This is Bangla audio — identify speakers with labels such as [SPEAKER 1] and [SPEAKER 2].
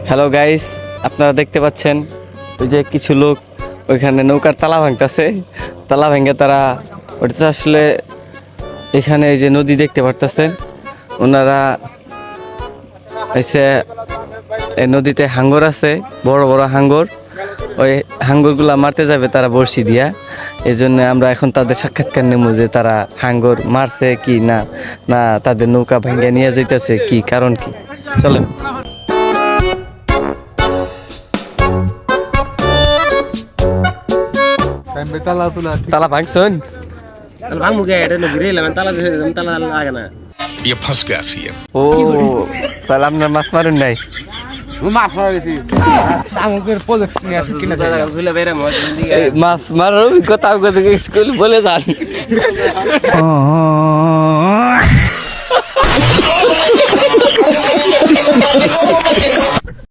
[SPEAKER 1] হ্যালো গাইস, আপনারা দেখতে পাচ্ছেন ওই যে কিছু লোক ওইখানে নৌকার তালা ভাঙতেছে। তালা ভেঙে তারা ওটা আসলে এখানে এই যে নদী দেখতে পারতেছেন, ওনারা এসে এই নদীতে হাঙ্গর আছে, বড় বড় হাঙ্গর। ওই হাঙ্গরগুলা মারতে যাবে তারা বড়শি দিয়া। এই জন্য আমরা এখন তাদের সাক্ষাৎকার নেব যে তারা হাঙ্গর মারছে কি না, না তাদের নৌকা ভেঙে নিয়ে যাইতেছে কি কারণ কি। চলেন। তালা ভাঙছুন? ও তাহলে আপনার মাছ মারুন নাই? মাছ মারার অভিজ্ঞতা স্কুল বলে যান।